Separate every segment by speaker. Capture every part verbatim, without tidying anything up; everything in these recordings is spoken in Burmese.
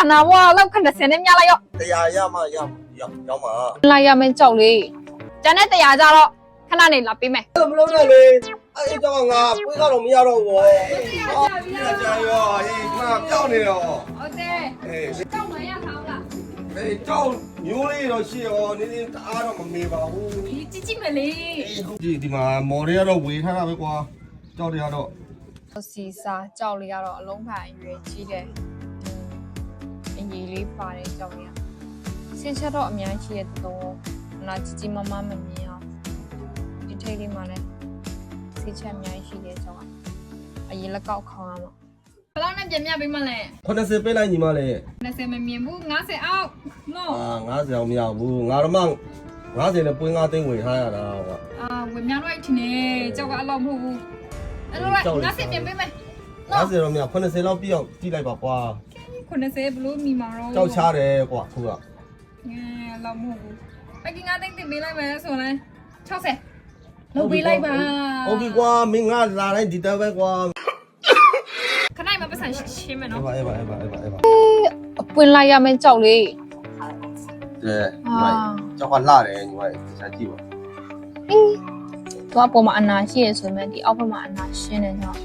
Speaker 1: နာဝါလောက်ခဏစင်းနေမြလိုက်ရော
Speaker 2: တရားရမှရရောက်ရောက်မှာ
Speaker 1: လိုက်ရမယ်ကြောက်လေးကျန်တဲ့တရားကြတော့ခဏနေလာပေးမယ်
Speaker 2: မလုံးနဲ့လေအဲ့ကြောင့်ငါပွေးကတော့မရတော့ဘူးဟာကြာရောဟေးငါပြောင်းနေတော့
Speaker 1: ဟုတ်တယ်
Speaker 2: အေး
Speaker 1: ကြောက်မရထားလား
Speaker 2: အေးကြောက်မျိုးလေးတော့ရှိရောနင်းနင်းတအားတော့မမေပါဘူး
Speaker 1: ဒီကြည့်ကြည့်မလေး
Speaker 2: ဒီဒီမှာမော်တွေကတော့ဝေထားတာပဲကွာကြောက်တွေကတော့
Speaker 1: စီစာကြောက်လေးကတော့အလုံးဖန်ရွယ်ကြီးတယ်အင်ကြီးလေးပါတယ်ကြောက်လေးဆင်းချက်တော့အများကြီးရဲ့တော့နာကြည့်ကြည့်မမမမြင်အောင်ဒီထိတ်လေးမှာလည်းဆေးချက်အများကြီးရှိတယ်ကြောက်အရင်လက်ကောက်ခေါင်းရမှာဘယ်လောက်နဲ့ပြင်မြပေးမလဲ
Speaker 2: ခုနှစ်ဆယ်ပေးလိုက်ညီမလေး
Speaker 1: နှစ်ဆယ်မမြင်ဘူးငါးဆယ်အောက်နော်
Speaker 2: အာငါးဆယ်အောင်မရဘူးငါတော့မှငါးဆယ်နဲ့ပွင့်ငါးသိန်းဝေထားရတာကွာ
Speaker 1: အာဝေများတော့ထင်နေကြောက်ကအလောက်မဟုတ်ဘူးအဲ့တော့ငါးဆယ်ပြင်ပေးမယ်
Speaker 2: ငါးဆယ်တော့မရခုနှစ်ဆယ်လောက်ပြည့်အောင်ကြည့်လိုက်ပါကွာ
Speaker 1: ခုနှစ်ဆယ်ဘလို့မိမှာတော့
Speaker 2: ကြောက်ချတယ်ကွာသူက
Speaker 1: အဲလောက်မဟုတ်ဘူးပကင်ငါးသိန်းတင်ပေးလိုက်မယ်ဆိုရင်၆ဆယ်လုပ်ပေးလိုက်ပါ
Speaker 2: ဟုတ်ပြီကွာမင်းငါလာတိုင်းဒီတော့ပဲကွာ
Speaker 1: ခဏမှပတ်စံရှင်းမယ်နော်
Speaker 2: အေးပါအေးပါအေးပါအေးပါအေးပါ
Speaker 1: အပွင့်လိုက်ရမယ်ကြောက်လေး
Speaker 2: ကဲညီမကြောက်ကလှတယ်ညီမဆက်ကြည့်ပါ
Speaker 1: အေးတော့ပေါ်မှာအနာရှိရဆိုမှဒီအောက်ဘက်မှာအနာရှင်းနေတော့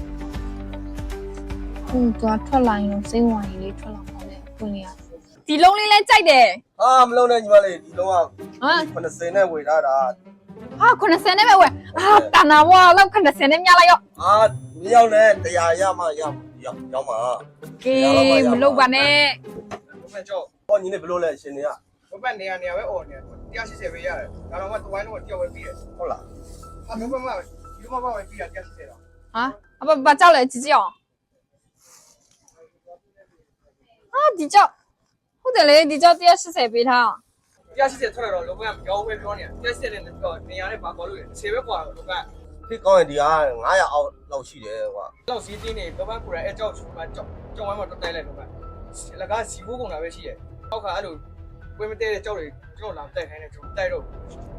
Speaker 1: ဟိုတော့ထွက်လာရင်စိတ်ဝင်ရည်လေးထွက်လာပါလေပွင့်လေးရဒီလုံးလေးလဲကြိုက်တယ်
Speaker 2: ဟာမလုံးနဲ့ညီမလေးဒီလုံးကဟာခုနှစ်ဆယ်နဲ့ဝေထားတာ
Speaker 1: ဟာခုနှစ်ဆယ်နဲ့ပဲဝယ်ဟာတနာဝါလောက်ခုနှစ်ဆယ်နဲ့မြလိုက်ရော
Speaker 2: ဟာမရောက်နဲ့တရားရမှရရောက်ရောက်မှာ
Speaker 1: ကေးမလုပ်ပါနဲ့
Speaker 2: ဘယ်ကြောဟောညီလေးဘလို့လဲရှင်နေရ
Speaker 3: ဘဘနေရနေရပဲအော်နေတရားရှိစေပဲရတယ်ဒါတော့မှတဝိုင်းတော့တယောက်ပဲပြီးရ
Speaker 2: ဟုတ်လား
Speaker 3: ဟာဘဘမဒီဘဘပဲပြီးရတရားရှိစေတော့
Speaker 1: ဟာအဘဘာကြောက်လဲကြည့်ကြည့်အောင်ဟာဒီကြောက်ဟုတ်တယ်လေဒီကြောက်တရားရှိစေပေးထား
Speaker 3: တရားရှိစေထွက်တော့လောကကပြောင်းပဲပြောနေတရားရှိစေနဲ့တော့နေရနဲ့ပါပေါ်လို့ဆယ်ပဲกว่าလောက
Speaker 2: ဖြစ်ကောင်းရင်ဒီကငါးရာအောက်လောက်ရှိတယ်ကွာ
Speaker 3: လောက်စီးတင်းနေဘဘကိုရအဲကြောက်ချူမှာကြောက်ကြောက်ဝိုင်းမှာတက်တိုက်လိုက်လောကလကစီဖို့ကုန်တာပဲရှိရဲ့အောက်ကအဲ့လိုဝင်းမတဲတဲ့ကြောက်တွေကျွန်တော်လာတိုက်ခိုင်းနေကျွန်တော်တိုက်တော့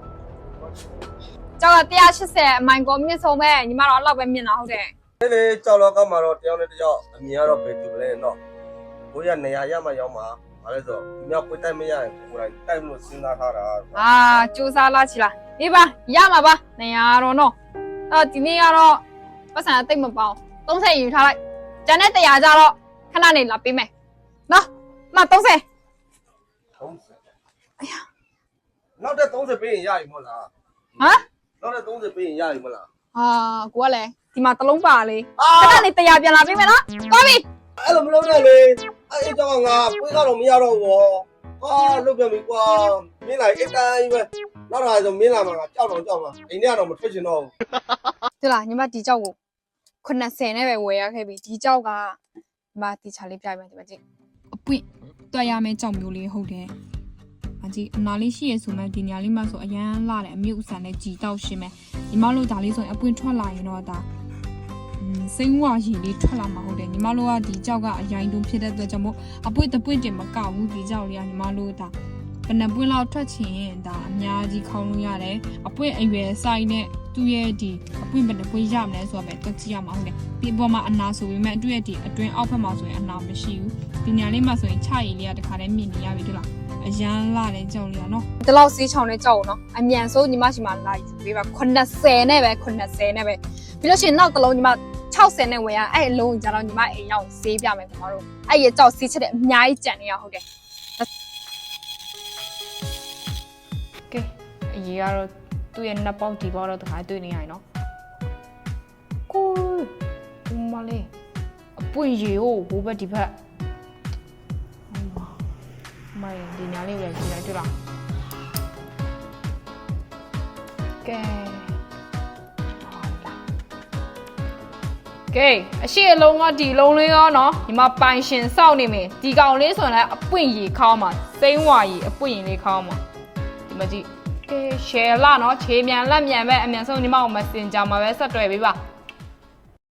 Speaker 1: ကြောက်ကတရားရှိစေအမိုင်ကောမြင့်ဆုံးပဲညီမတော့အဲ့လောက်ပဲမြင်တာဟုတ်တယ်
Speaker 2: လေလေကြောက်တော့ကမှတော့တယောက်နဲ့တယောက်အမြင်ကတော့ဘယ်တူလဲတော့ဘိုးရနေရာရမှရောက်မှာဘာလဲဆိုဒီမြောက်ပွေးတိုက်မရရင်ကိုယ်တိုင်တိုက်လို့စဉ်းစားထားတာ
Speaker 1: အာစူးစားလာချီလားဒီပါရမှာပါနေရာတော့နော်အော်ဒီနေ့ကတော့ပတ်စံတိတ်မပေါအောင်သုံးဆယ်ယူထားလိုက်ကျန်တဲ့တရားကြတော့ခဏနေလာပေးမယ်နော်မသုံးဆယ်
Speaker 2: သုံးဆယ်အယားနောက်တဲ့သုံးဆယ်ပေးရင်ရပြီမဟုတ်လား
Speaker 1: ဟမ်
Speaker 2: နောက်တဲ့သုံးဆယ်ပေးရင်ရပြီမဟုတ်လား
Speaker 1: ဟာကိုကလည်းဒီမှာတလုံးပါလေခဏနေတရားပြန်လာပေးမယ်နော်သွားပြီ
Speaker 2: အဲ့လိုမလုပ်နဲ့လေအဲ့ကြောင့်ငါပွေးကတော့မရတော့ဘူးဟာလုတ်ပြန်ပြီကွာမင်းလာအတိုင်းပဲနောက်လာဆိုမင်းလာမှာကြောက်တော့ကြောက်မှာအိမ်ထဲကတော့မထွက်ချင်တော့ဘူး
Speaker 1: ဟုတ်လားညီမဒီကြောက်ကိုခုနှစ်ဆယ်နဲ့ပဲဝယ်ရခဲ့ပြီဒီကြောက်ကညီမတီချာလေးပြလိုက်မယ်ဒီမှာကြည့်အပွင့်တွက်ရမယ့်ကြောက်မျိုးလေးဟုတ်တယ်အကြည့်အနာလေးရှိရဆိုမှဒီနေရာလေးမှာဆိုအရန်လာတယ်အမြုပ်အဆန်နဲ့ကြည်တောက်ရှင်းမယ်ညီမတို့ဒါလေးဆိုရင်အပွင့်ထွက်လာရင်တော့ဒါစိမ့်ဝါရီလေးထွက်လာမှာဟုတ်တယ်ညီမတို့ကဒီကြောက်ကအရင်တုန်းဖြစ်တဲ့အတွက်ကြောင့်မို့အပွင့်တပွင့်တင်မကဘူးဒီကြောက်လေးကညီမတို့ဒါဘယ်နှပွင့်လောက်ထွက်ချင်ဒါအများကြီးခေါင်းလို့ရတယ်အပွင့်အရွယ်ဆိုင်နဲ့သူ့ရဲ့ဒီအပွင့်ဘယ်နှပွင့်ရမလဲဆိုတော့ပဲတွက်ကြည့်ရမှာဟုတ်တယ်ဒီပေါ်မှာအနာဆိုပေမဲ့သူ့ရဲ့ဒီအတွင်းအောက်ဘက်မှာဆိုရင်အနာမရှိဘူးဒီညာလေးမှာဆိုရင်ချရည်လေးကတခါတည်းမြင်နေရပြီတို့လားအရန်လာတဲ့ကြောက်လေးကနော်ဒီလောက်စေးချောင်းနဲ့ကြောက်နော်အမြန်ဆုံးညီမရှိမှလာယူပေးပါခုနှစ်ဆယ်နဲ့ပဲခုနှစ်ဆယ်နဲ့ပဲပြီးလို့ရှိရင်နောက်တစ်လုံးညီမ၆ဆယ်နဲ့ဝယ်ရအဲ့အလုံးကြတော့ညီမအိမ်ရောက်ဆေးပြမယ်ခင်ဗျားတို့အဲ့ရကြောက်ဆေးချက်တဲ့အများကြီးကြံနေရဟုတ်တယ်ကဲအရေးကတော့သူ့ရဲ့နှစ်ပေါက်ဒီပေါက်တော့တခါတွေ့နေရရင်နော်ကိုမလေးအပွင့်ရေကိုဘိုးဘက်ဒီဘက်မိုင်းဒီညာလေးပဲကြည့်လိုက်တွေ့လားကဲကဲအရှိအလုံးကဒီလုံးလေးရောနော်ဒီမှာပိုင်ရှင်စောက်နေမယ်ဒီကောင်လေးဆိုရင်လည်းအပွင့်ရေခေါင်းမှာစိမ့်ဝါရေအပွင့်ရေလေးခေါင်းမှာဒီမှာကြည့်ကဲ share လာနော်ခြေမြန်လက်မြန်ပဲအမြန်ဆုံးညီမကို Messenger မှာပဲဆက်တွေ့ပေးပါ